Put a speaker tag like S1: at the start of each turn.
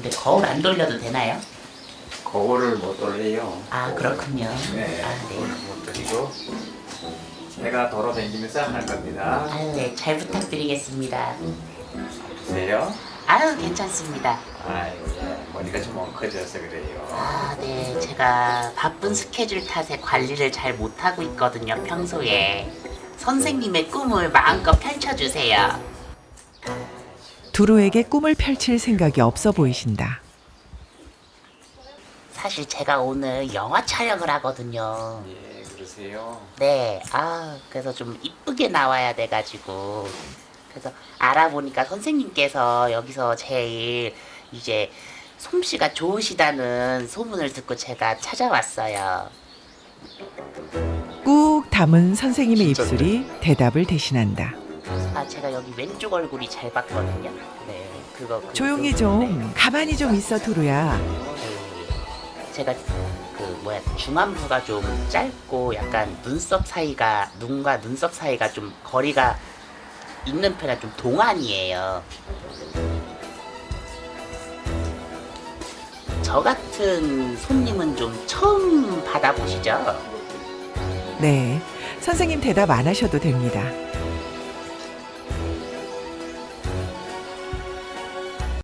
S1: 근데 거울 안 돌려도 되나요?
S2: 거울을 못 돌려요.
S1: 아, 그렇군요.
S2: 네,
S1: 아, 네.
S2: 거울을 못 돌리고 제가 돌아다니면서 할 겁니다.
S1: 아유, 네, 잘 부탁드리겠습니다.
S2: 보세요.
S1: 아유, 괜찮습니다.
S2: 아이고, 예, 머리가 좀 엉켜져서 그래요.
S1: 아, 네, 제가 바쁜 스케줄 탓에 관리를 잘 못하고 있거든요, 평소에. 선생님의 꿈을 마음껏 펼쳐주세요.
S3: 두루에게 꿈을 펼칠 생각이 없어 보이신다.
S1: 사실 제가 오늘 영화 촬영을 하거든요.
S2: 예, 그러세요.
S1: 네, 그래서 좀 이쁘게 나와야 돼가지고. 그래서 알아보니까 선생님께서 여기서 제일 이제 솜씨가 좋으시다는 소문을 듣고 제가 찾아왔어요.
S3: 꾹 담은 선생님의 입술이 대답을 대신한다.
S1: 아, 제가 여기 왼쪽 얼굴이 잘 봤거든요. 네,
S3: 조용히 좀, 가만히 좀 있어, 두루야.
S1: 제가 중안부가 좀 짧고 약간 눈과 눈썹 사이가 좀 거리가 있는 편이라 좀 동안이에요. 저 같은 손님은 좀 처음 받아보시죠?
S3: 네, 선생님 대답 안 하셔도 됩니다.